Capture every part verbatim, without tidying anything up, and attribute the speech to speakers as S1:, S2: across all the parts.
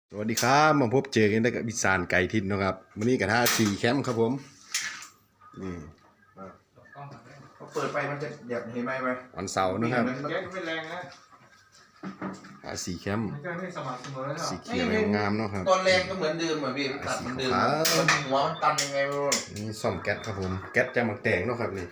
S1: สวัสดีครับมาพบเจอกันได้กับอีสานไก่ทินนะครับวันนี้กับท่าสี่แคมป์ครับผมนี่
S2: พอเปิดไปมันจะแบบเห็นไหมไหม
S1: วันเสาร์นะครับ
S3: แก๊สไม่แรงนะ
S1: ท่าสี่แคมป์
S3: มันก็ไม่สม่ำเสมอแล้ว
S1: สีเขียวงามๆเนาะครับ
S2: ตอนแรกก็เหมือนเดิมเหมือนพี่มันตัดเหมือนเดิมมันหัวมันตันยังไงไม่รู้
S1: นี่ซ่อมแก๊สครับผมแก๊สจะมาแต่งเนาะครับนี่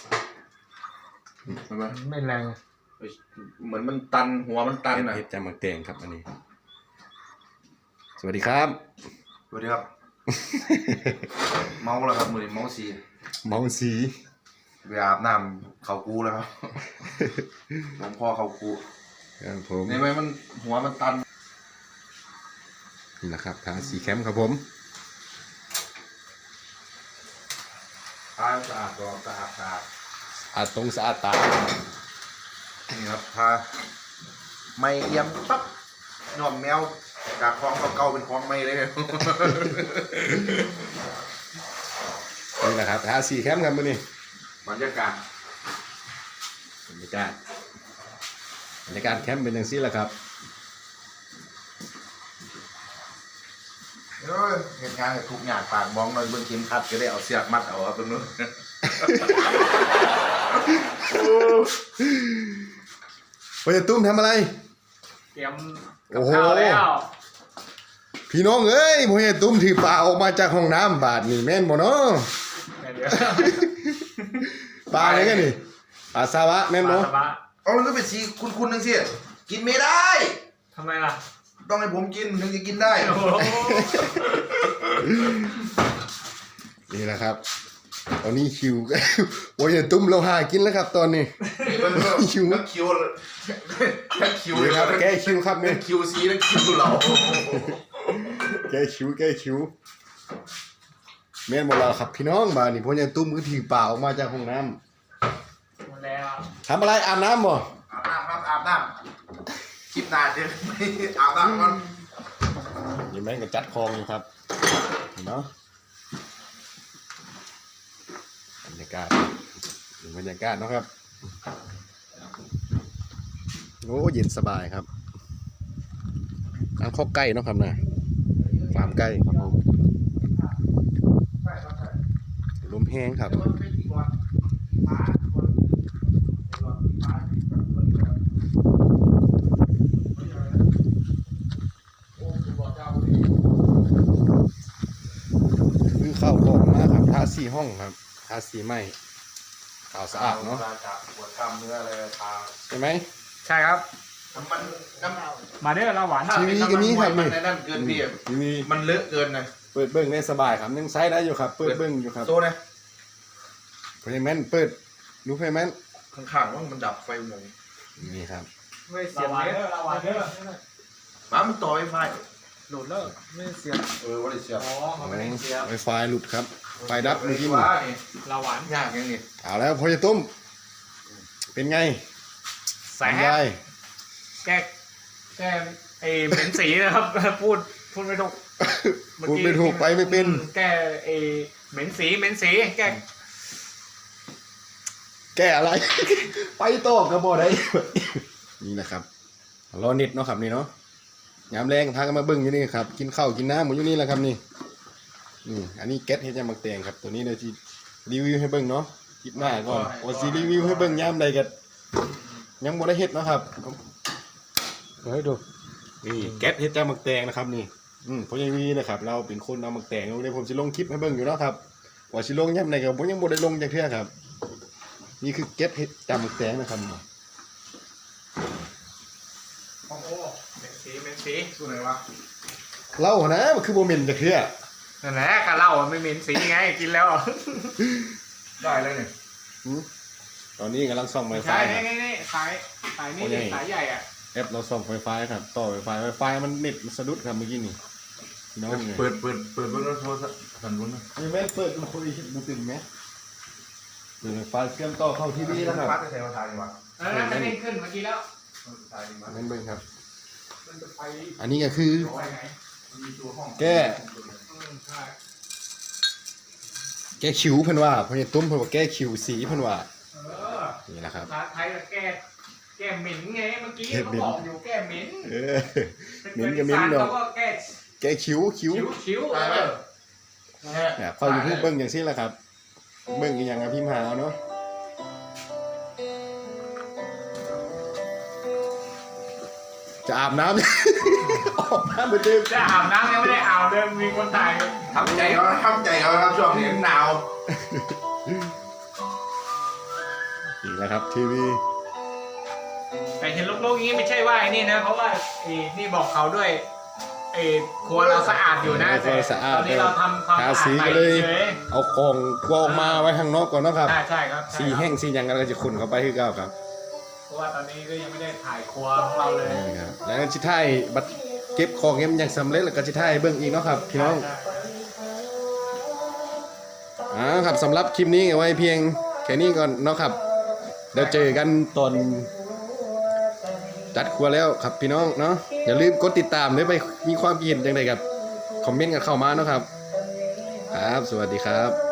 S2: เห็นไหม
S3: ไม่แรง
S2: เหมือนมันตันหัวมันตัน
S1: แก๊ส
S2: อ่ะ
S1: เฮ็ดจะมาแต่งครับอันนี้สวัสดีครับ
S2: สวัสดีครับ เมาแล้วครับมือเมาสี
S1: เมาสี
S2: ไปอาบน้ำเขากูแล้วครับหลวงพ่อเขากู
S1: ครับผม
S2: ในไหมมันหัวมันตัน
S1: นี่แหละครับท่าสี่แคมป์ครับผม
S2: ทาสะอาดก็สะอาดสะอาด
S1: อาตรงสะอาดตา
S2: นี่ครับทาไม่เอี่ยมปั๊บหน่อมแมวจากคลองเก่าๆเป็นคลองใหม่เลยเนี่ย
S1: นี่แหละครับท่าสี่แคมป์ครับมื้อนี้
S2: บรรยากาศ
S1: บรรยากาศบรรยากาศแคมป์เป็นอย่างนี้แหละครับ
S2: เอ้ยเหตุงานกับทุกอย่างปากมองหน่อยเบื้องเข็มขัดก็ได้เอาเสียบมัดเอาครับตรงนู้น
S1: พอจะตุ้มทำอะไร
S3: เตรียม
S1: โอ้
S3: กับ
S1: โห
S3: ข้าวแล้ว
S1: พี่น้องเอ้ยพอจะตุ้มถือปลาออกมาจากห้องน้ำบาดนี่แม่นบ่เนาะ
S3: เดี๋ยว
S1: ปลาอะไรกันนี่ปลาซาวะแม่น
S3: ปลา
S1: บ่
S3: สบะ
S2: เอามันก็เป็นสีคุณๆนึงสิกินไม่ได้
S3: ทำไมล่ะ
S2: ต้องให้ผมกินถึงจะกินได้
S3: โอ้โห
S1: นี่แหละครับ ตอนนี้คิว พอจะตุ้มเราหากินแล้วครับ ตอนนี้
S2: คิวนักคิวนักคิว
S1: นี่ครับแก้คิวครับ
S2: เป็
S1: เนี่ย
S2: นคิวซีนักคิวเรา
S1: แก้คิวแก้คิวแม่นบ่ล่ะครับพี่น้องบาดนี่พอจะตุ้มก็ถือปลาออกมาจากห้องน้ำ
S3: หมดแล้ว
S1: ทำอะไรอาบน้ำบ่
S2: อาบน้ำครับอาบน้ำคลิปหนาเดี๋ยวไม่อาบน้ำมัน
S1: นี่แม่งก็จัดคลองอยู่ครับเนาะบรรยากาศบรรยากาศเนาะครับโอ้เย็นสบายครับทางข้อใกล้เนาะครับนะฟาร์มใกล้ครับผมลมแห้งครับคือเข้าของมาครับทาสีห้องครับทาสีไม้ขาวสะอาดเนาะ
S2: จากปวดกล้ามเนื้ออะไรทา
S1: ใช่ไหม
S3: ใช่ครับ
S2: น้ำมันน้ำ
S3: มาเด้อเราหวาน
S1: ทีวีก็มีครับนี่
S2: มันในนั่นเกินพี่
S1: ทีวี
S2: มันเลอะเกินนะ
S1: เปิดเบิ้งได้สบายครับยังใช้ได้อยู่ครับ เปิดเบิ้งอยู่ครับ
S2: โซ่นะ
S1: เพย์แมนเปิดดูเพย์แมน
S2: ข้างๆว่ามันดับไฟหมด
S1: นี่ครับ
S3: ไม่เสียบเด้อเราหวานเด้อ
S2: มามันต่อไฟไฟ
S3: โหลดแล้วไม่เสียบ
S2: เออว่าได้เสียบ
S3: อ๋อมันไม่ได้เสียบ
S1: ไวไฟหลุดครับไฟดับเมื่อกี้
S2: ว่า
S1: นี่
S2: นี่
S3: เราหวาน
S2: ยากยังนี่
S1: เอาแล้วพอจะตุ้มเป็นไง
S3: แสบ
S1: ยาย
S3: แก้แก้ไอ้เหม็นสีนะครับ พูดพูดไม่ถูก
S1: พูดไม่ถูกไปไม่เป็น
S3: แก้ไอ้เหม็นสีเหม็นสีแก้
S1: แก้อะไร ไปต่อกระบอกได้ นี่นะครับรอเน็ตเนาะครับนี่เนาะยามแรงพากันมาเบิ้งอยู่นี่ครับกินข้าวกินน้ำหมดอยู่นี่แหละครับนี่นี่อันนี้แก๊สเฮ็ดจะมักแตงครับตัวนี้เดี๋ยวที่รีวิวให้เบิ้งเนาะคลิปหน้าก่อนโอซีรีวิวให้เบิ้งยามใดกันยังบ่ได้เฮ็ดเนาะครับเฮ้ยดูนี่แก๊สเฮ็ดจะมักแตงนะครับนี่อืมพอยังมีนะครับเราเป็นคนเอามักแตงเดี๋ยวผมสิลงคลิปให้เบิ้งอยู่เนาะครับว่าสิลงยามใดก็ผมยังบ่ได้ลงจักเทื่อครับนี่คือแก๊สเฮ็ดจะมักแตงนะครับ
S3: โอ้โหเหม็นสีเหม็นสี
S2: สู้ไหนวะ
S1: เล่านะมันคือโมเมนต์จะเคลียร์
S3: นั่นแหละกะเหล้าไม่เหม็นสีไงกินแล้ว
S2: ได้แล้วเนี่ย
S1: ตอนนี้กำลังส่องไฟฟ้า
S3: ใช่นี่นี่นี่สายสายนี่
S1: โอ้ย
S3: สายใหญ่อ่ะ
S1: แอปเราส่องไฟฟ้าครับต่อไฟฟ้าไฟฟ้ามันเน็ตมันสะดุดครับเมื่อกี้นี่น้องเนี่ย
S2: เปิดเปิดเปิดเบิ้งแล้วโทรศัพท์สันบุญนะ
S1: มีแม่เปิดดูคุยดูติ่มไหมเปิดไฟฟ้าเชื่อมต่อเข้าทีวีแล้วครับ
S2: ฟ้าจะใช้มาทายดีวะ
S3: เออมันเด้งขึ้นเมื่อกี้แล้ว
S2: ทายดีวะ
S1: นั่นเบิ้งครับ
S3: มันจะไป
S1: อันนี้ก็คือ
S3: ไปไหน
S2: มีตัวห้อง
S1: แก้
S3: อืมใช่
S1: แก้คิวเพิ่นว่าเพราะเนี่ยตุ้มเพิ่นว่าแก้คิวสีเพิ่นว่า
S3: เออ
S1: นี่แหละครับ
S3: ภาษาไทยก็แก้แแก้เหม็นไงเมื่อกี้เขาบอกอยู่แก้เหม็น
S1: เออ เหม็นกับเหม็นเนอะ
S3: เขาก็แก้
S1: แกคิ้วคิ้ว
S3: คิ้วคิ้วเออ
S1: เนี่ยพออยู่พูดเบิ้งอย่างซี่แหละครับ เบิ้งอีกอย่างกับพิมพ์หาเอาเนาะจะอาบน้ำ ออกน้ำเหมือนเดิม
S3: จะอาบน้ำยังไม่ได้อาบเลยมีคนถ่าย
S2: ทำใจเขาทำใจเขาครับช่วงนี้หนาว
S1: อีกแล้วครับทีวี
S3: แต่เห็นโล่งๆอย่างนี้ไม่ใช่ว่าไอ้นี่นะเพราะว่าไอ้นี่บอกเขาด้วยไอ้ครัวเราสะอาดอยู่นะ
S1: ครัวสะอาด
S3: ตอนนี้เราทำความ
S1: ทา
S3: สะอาด
S1: สี
S3: ใหม่
S1: ก็เลย
S3: เฉย
S1: เอาของกองมาไว้ข้างนอกก่อนเนาะครับ
S3: ใช่ใช่ครับใช่
S1: สี
S3: ครับ
S1: แห้งสีหยังกันก็จะขนเข้าไปคือเก่าครับ
S3: เพราะว่าตอนนี้ก็ยังไม่ได้ถ่ายครัวของเราเลย
S1: นี่ครับแล้วก็ชิท้ายบัดเก็บของเงี้ยมันยังสำเร็จแล้วก็ชิท้ายเบิ้งอีกเนาะครับพี่น้อง
S3: ใช่
S1: อ่าครับสำหรับคลิปนี้เอาไว้เพียงแค่นี้ก่อนเนาะครับเดี๋ยวเจอกันตอนจัดครัวแล้วครับพี่น้องเนาะอย่าลืมกดติดตามด้วยไปมีความคิดเห็นยังไงครับคอมเมนต์กันเข้ามาเนาะครับครับสวัสดีครับ